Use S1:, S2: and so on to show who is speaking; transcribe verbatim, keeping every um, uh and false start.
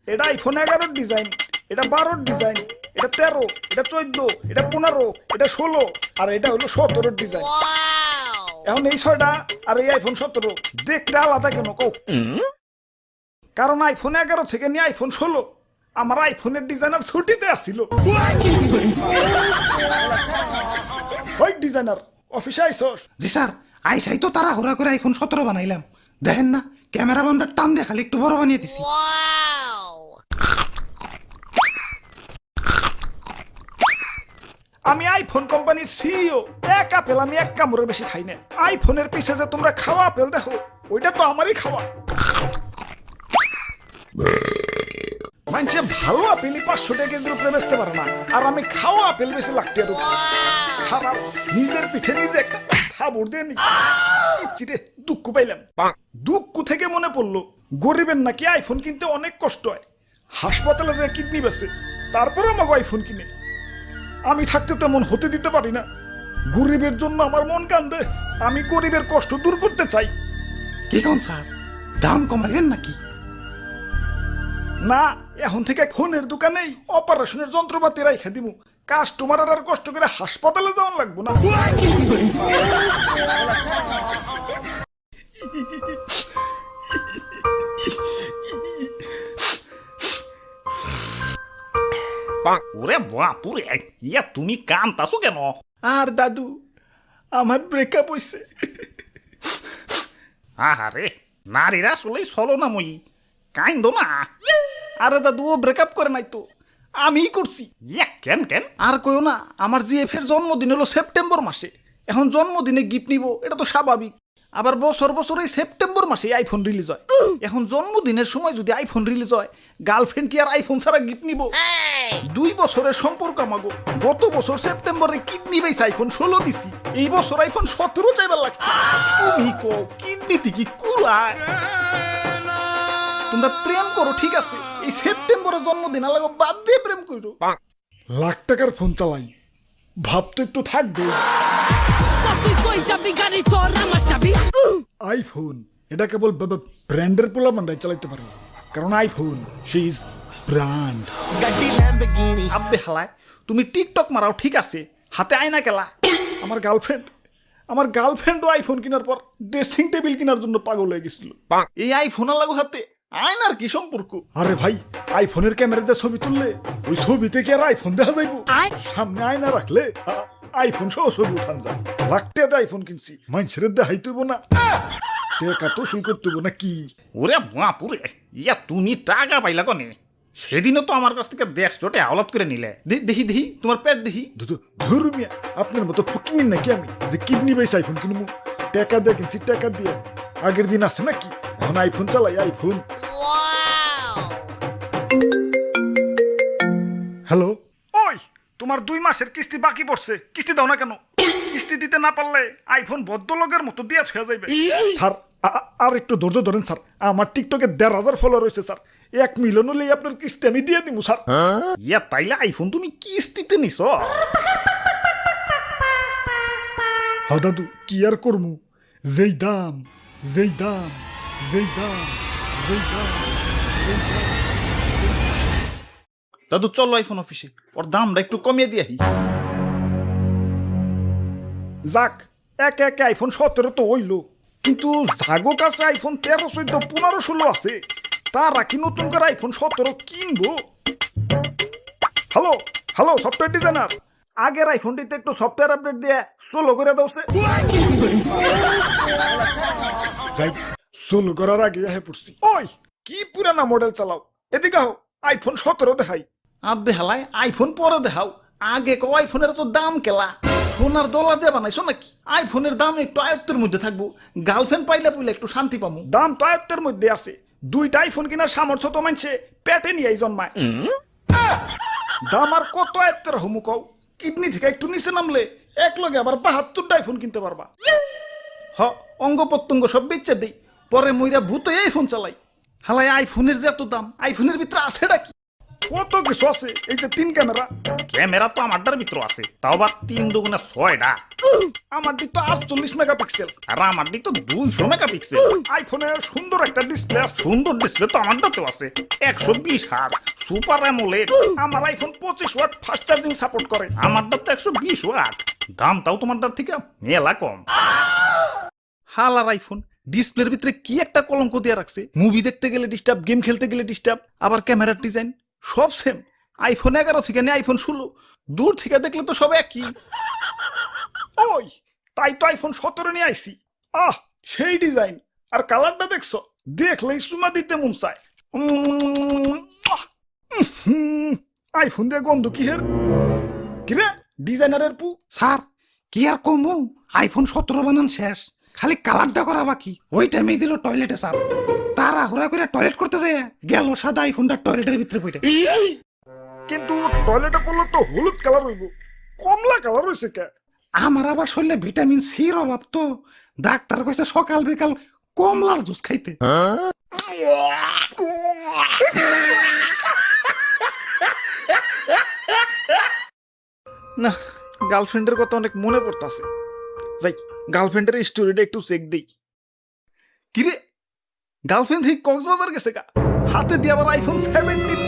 S1: এটা আইফোন এগারোর ডিজাইন, এটা বারোর ডিজাইন, এটা তেরো, এটা চোদ্দ, এটা পনেরো, এটা ষোলো, আর এটা হলো সতেরোর ডিজাইন। এখন এই ছয়টা আর এই আইফোন সতেরো দেখতে আলাদা কেন কও? কারণ আইফোন এগারো থেকে নিয়ে আইফোন ষোলো আমার আইফোনের ডিজাইনার ছুটিতে আসছিল। ওই ডিজাইনার অফিসে আইসস?
S2: জি স্যার, আইসাই তো তারা হুড়া করে আইফোন সতেরো বানাইলাম। দেখেন না ক্যামেরা বামটা টান দিয়ে খালি একটু বড় বানিয়ে দিছি।
S1: আমি আইফোন কোম্পানির সিইও, এক আপেল আমি এক কামড়ের বেশি খাই না। আইফোনের পিছে যে তোমরা খাওয়া আপেল দেখো ওইটা তো আমারই খাওয়া। মানুষে ভালো আপেলই পাঁচশো টাকা কেজির উপরে বেচতে পারে না, আর আমি খাওয়া আপেল বেশি লাগতে আর খারাপ। নিজের পিঠে নিজে একটা থাবড় দিয়ে নি রে, দুঃখ পাইলাম। দুঃখ থেকে মনে পড়লো গরিবের নাকি আইফোন কিনতে অনেক কষ্ট হয়। হাসপাতালে যে কিডনি বেছে তারপরে আমাকে আইফোন কিনে। আমি থাকতে তেমন হতে দিতে পারি না। গরিবের জন্য আমার মন কান্দে। আমি গরিবের কষ্ট দূর করতে চাই।
S2: কি কোন স্যার, দাম কমাবেন নাকি?
S1: না, এখন থেকে ফোনের দোকানেই অপারেশনের যন্ত্রপাতি রাইখা দিমু। কাস্টমার আর কষ্ট করে হাসপাতালে যাওয়ান লাগবো না।
S3: ওরে বাপুরে, ইয়া তুমি কান্তাছো কেন?
S1: আর দাদু, আমার ব্রেকআপ হইছে।
S3: আহারে, নারীরা আসলেই চলো না মই, কাইন্দ না।
S1: আরে দাদু, ও ব্রেকআপ করে নাই তো, আমিই করছি।
S3: ইয়া কেন কেন?
S1: আর কইও না, আমার জিএফ এর জন্মদিন হলো সেপ্টেম্বর মাসে। এখন জন্মদিনে গিফট নিব, এটা তো স্বাভাবিক। আবার বছর বছর এই সেপ্টেম্বর মাসে আইফোন রিলিজ হয়। এখন জন্মদিনের সময় যদি আইফোন রিলিজ হয়, গার্লফ্রেন্ড কি আর আইফোন ছাড়া গিফট নিব? দুই বছরের সম্পর্ক আমাগো। গত বছর সেপ্টেম্বরে কিডনি বেস আইফোন ষোলো দিছি, এই বছর আইফোন সতেরো চাইবার লাগছে। তুমি কো কিডনিতে কি কুলায়? তোমরা প্রেম করো ঠিক আছে, এই সেপ্টেম্বরের জন্মদিন আলাগো বাদ দিয়ে প্রেম করো। লাখ টাকার ফোন চালাই, ভাব তো একটু থাকবে। আইফোন এটা কেবল ব্র্যান্ডের পোলা বান্ডাই চালাইতে পারে, কারণ আইফোন সে ইজ ব্র্যান্ড। আব্বে হালায়, তুমি টিকটক মারাও ঠিক আছে, হাতে আয়না কেলা। আমার গার্লফ্রেন্ড আমার গার্লফ্রেন্ডও আইফোন কেনার পর ড্রেসিং টেবিল কেনার জন্য পাগল হয়ে গেছিল। এই আইফোন লাগো হাতে আয়নার কি সম্পর্ক? আরে ভাই, আইফোনের ক্যামেরাতে ছবি তুললে ওই ছবিতে কি আর আইফোন দেখা যাইব? সামনে আয়না রাখলে আইফোন সহ ছবি উঠান যায়। লাখ টাকা আইফোন কিনছি, মানুষের দেখাই তুইব না, টাকা তো শুল করতে না কি?
S3: ওরে বাপুরে, ইয়া তুমি টাকা পাইলা কনে? সেদিনও তো আমার কাছ থেকে দেশ চটে আওলাদ করে নিলে।
S1: দেখি দেখি তোমার পেট দেখি। ধর্মিয়া, আপনার মতো ফকিং নাকি আমি যে কিডনি বেস আইফোন কিনবো? টাকা দিয়ে কিনছি, টাকা দিয়ে। আগের দিন আছে নাকি? এখন আইফোন চালাই, আইফোন। হ্যালো, ওই তোমার দুই মাসের কিস্তি বাকি পড়ছে, কিস্তি দাও না কেন? কিস্তি দিতে না পারলে আইফোন ভদ্রলোকের মতো দিয়া ছুঁয়া যাইবে। স্যার আর একটু ধৈর্য ধরেন স্যার, আমার টিকটকে দেড় হাজার ফলোয়ার রয়েছে স্যার। এক মিলিয়ন হলেই আপনার কিস্তি আমি দিয়ে দিব স্যার।
S3: ইয়া তাইলে আইফোন তুমি কিস্তিতে নিছ?
S1: হ্যাঁ দাদু, কি আর করমু? যেই দাম যেই দাম যেই দাম যেই দাম যেই দাম।
S3: দাদু চলো আইফোন অফিসে, ওর দামটা একটু কমিয়ে দিয়ে।
S1: যাক, একে একে আইফোন সতেরো তো হইলো, কিন্তু জাগো কাছে আইফোন তেরো চোদ্দ পনেরো ষোলো আছে। তারা কি নতুন করে আইফোন সতেরো কিনবো? হ্যালো হ্যালো সফটওয়্যার ডিজাইনার, আগের আইফোনটিতে একটু সফটওয়্যার আপডেট দিয়ে সোলো করে দাওছে। যাই সোলো করার আগে হ্যাঁ পড়ছি। ওই কি পুরানা মডেল চালাও, এদিকে হও, আইফোন সতেরো দেখাই। আব্বে হালাই, আইফোন পরে দেখাও, আগে কো আইফোনের তো দাম কেলা। সোনার দলা দিয়ে বানাইছো নাকি? আইফোনের দাম একটু আয়ত্তের মধ্যে থাকবো, গার্লফ্রেন্ড পাইলে পুইলে একটু শান্তি পাবো। দাম তো আয়ত্তের মধ্যে আছে, দুইটা আইফোন কেনার সামর্থ্য তো মানছে পেটে নিয়ে জন্মায়। দাম আর কত আয়ত্তের হমু কও? কিডনি থেকে একটু নিচে নামলে এক লগে আবার বাহাত্তরটা আইফোন কিনতে পারবা। হ, অঙ্গ প্রত্যঙ্গ সব বেচে দেই, পরে মইরা ভূতে আইফোন চালাই। হালাই আইফোনের যে এত দাম, আইফোনের ভিতরে আছেটা কি? কত কিছু আছে এই যে তিন ক্যামেরা।
S3: ক্যামেরা তো আমারটার ভিতর আছে, তাও আবার তিন দুগুণে ছয়টা।
S1: আমার দিক তো আটচল্লিশ মেগাপিক্সেল।
S3: আর আমার দিক তো দুইশো মেগাপিক্সেল।
S1: আইফোনে সুন্দর একটা ডিসপ্লে আছে।
S3: সুন্দর ডিসপ্লে তো আমারটাতেও আছে, একশো বিশ হার্জ সুপার অ্যামোলেড।
S1: আমার আইফোন পঁচিশ ওয়াট ফাস্ট চার্জিং সাপোর্ট করে।
S3: আমারটা তো একশো বিশ ওয়াট, দামটাও তোমারটার থেকে মেলা কম।
S1: হালার আইফোন ডিসপ্লের ভিতরে কি একটা কলঙ্ক দিয়ে রাখছে। মুভি দেখতে গেলে ডিস্টার্ব, গেম খেলতে গেলে ডিস্টার্ব, আবার ক্যামেরার ডিজাইন সব সেম। আইফোন এগারো থেকে নিয়ে আইফোন ষোলো, দূর থেকে দেখলে তো সব একই। ওই তাই তো আইফোন সতেরো নিয়ে আইছি। আহ সেই ডিজাইন আর কালারটা দেখছো, দেখলেই সুমা দিতে মন চায়। উম, আহ, উহুম, আইফোন দিয়ে গন্ধ কি হের কিরে ডিজাইনারের পু।
S2: স্যার কি আর কমু, আইফোন সতেরো বানান শেষ, খালি কালারটা করা বাকি। ওই টাইমে দিল টয়লেটে চাপ, তারা হুরা করে টয়লেট করতে যায় গেল সাদা আইফোনটা টয়লেটের ভিতরে পড়ে।
S1: কিন্তু টয়লেটে পড়লে তো হলুদ কালার হইব, কমলা কালার হইছে কে?
S2: আমার আবার শরীরে ভিটামিন সির অভাব তো, ডাক্তার কইছে সকাল বিকাল কমলার জুস খাইতে।
S1: না, গার্লফ্রেন্ডের কথা অনেক মনে পড়তাছে। যাই গার্লফ্রেন্ডের স্টোরিটা একটু চেক দেই। কিরে গার্লফ্রেন্ড থেকে কক্সবাজার গেছে গা, হাতে দিয়ে আবার আইফোন সেভেন্টিন